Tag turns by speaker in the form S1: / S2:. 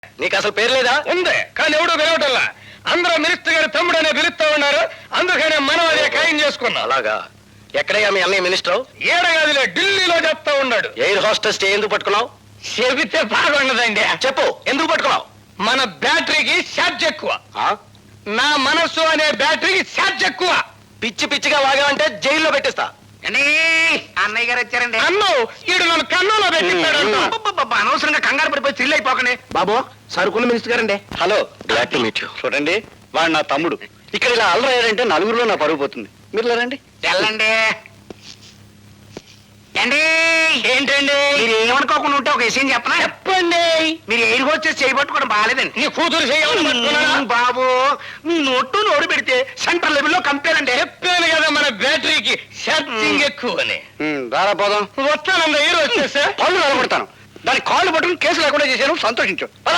S1: నీకు అసలు పేరు లేదా?
S2: ఉంది, కానీ ఎవడు పిలవటల్లా. అందరూ మినిస్టర్ గారి తమ్ముడు అనే పిలుస్తా ఉన్నారు. అందుకనే మనం అదే ఖాయం చేసుకున్నాం.
S1: అలాగా? ఎక్కడయ్యా మీ అన్నయ్య మినిస్టర్?
S2: ఏడగదిలో ఢిల్లీలో చెప్తా ఉన్నాడు.
S1: ఎయిర్ హోస్టెస్ ఎందుకు పట్టుకున్నావు?
S2: చెబితే బాగుండదండి.
S1: చెప్పు, ఎందుకు పట్టుకున్నావు?
S2: మన బ్యాటరీకి ఛార్జ్ ఎక్కువ.
S1: ఆ?
S2: నా మనస్సు అనే బ్యాటరీకి ఛార్జ్ ఎక్కువ.
S1: పిచ్చి పిచ్చిగా వాగావంటే జైల్లో పెట్టిస్తా.
S3: అన్నయ్య గారు వచ్చారండి.
S2: అన్ను ఈడు నన్ను కన్నులో పెట్టిస్తాడు.
S3: అబ్బబ్బబ్బ, అనవసరంగా కంగారు పడిపోయి థ్రిల్ అయిపోకండి. బాబు సరుకుల మినిస్టర్ గారండి.
S1: Hello, glad to meet you.
S4: చూడండి, వాడు నా తమ్ముడు. ఇక్కడ ఇలా అల్లరయ్యారంటే నలుగురిలో నా పరుగు పోతుంది. మీరు రండి.
S3: తెల్లండి ఏండి.
S2: ఏంటండి?
S3: మీరు ఏమనుకోకుండా ఉంటే ఒక విషయం చెప్పనా?
S2: చెప్పండి.
S3: మీరు ఎయిర్ హోస్టెస్ చేయబట్టుకోవడం బాగాలేదండి.
S2: నీ కూతురు చేయాలని పట్టుకున్నానా?
S3: బాబు మీ నోరు పెడితే సెంటర్ లెవెల్లో కంపేర్ అండి.
S2: చెప్పాను కదా మన బ్యాటరీకి ఛార్జింగ్ ఎక్కువ అని.
S4: రారా పోదాం.
S2: వస్తానండి, హీరో వచ్చేసా.
S4: పళ్ళు నిలబడతాను. దాని కాళ్ళు పట్టుకుని కేసు లేకుండా చేశాను, సంతోషించు.